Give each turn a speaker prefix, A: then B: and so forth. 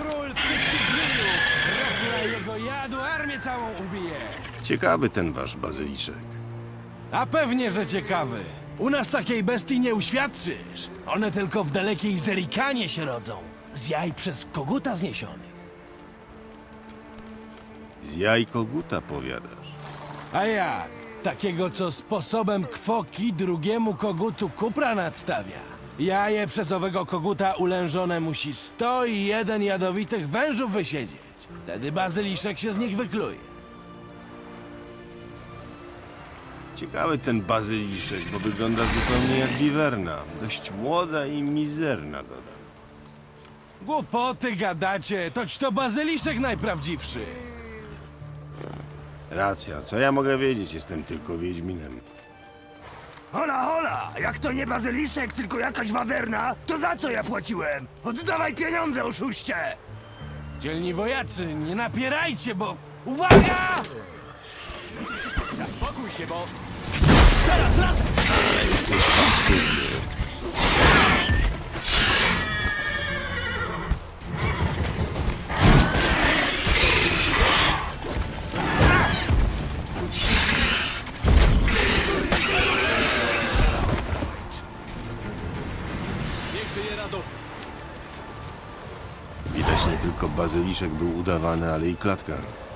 A: król wszystkich zmienił! Rokla jego jadu armię całą ubije!
B: Ciekawy ten wasz bazyliszek.
A: A pewnie, że ciekawy. U nas takiej bestii nie uświadczysz. One tylko w dalekiej Zerikanie się rodzą. Z jaj przez koguta zniesionych.
B: Z jaj koguta powiadasz.
A: A jak? Takiego, co sposobem kwoki drugiemu kogutu kupra nadstawia. Jaje przez owego koguta ulężone musi 101 jadowitych wężów wysiedzieć. Wtedy bazyliszek się z nich wykluje.
B: Ciekawy ten bazyliszek, bo wygląda zupełnie jak wiwerna. Dość młoda i mizerna, dodam.
A: Głupoty gadacie, toć to bazyliszek najprawdziwszy.
B: Racja, co ja mogę wiedzieć? Jestem tylko wiedźminem.
C: Hola, hola! Jak to nie bazyliszek, tylko jakaś wawerna, to za co ja płaciłem? Oddawaj pieniądze, oszuście!
A: Dzielni wojacy, nie napierajcie, bo... Uwaga!
C: Spokój się, bo...
A: Teraz razem!
B: Jesteś paskudny.
A: Niech żyje Radowy.
B: Widać nie tylko bazyliszek był udawany, ale i klatka.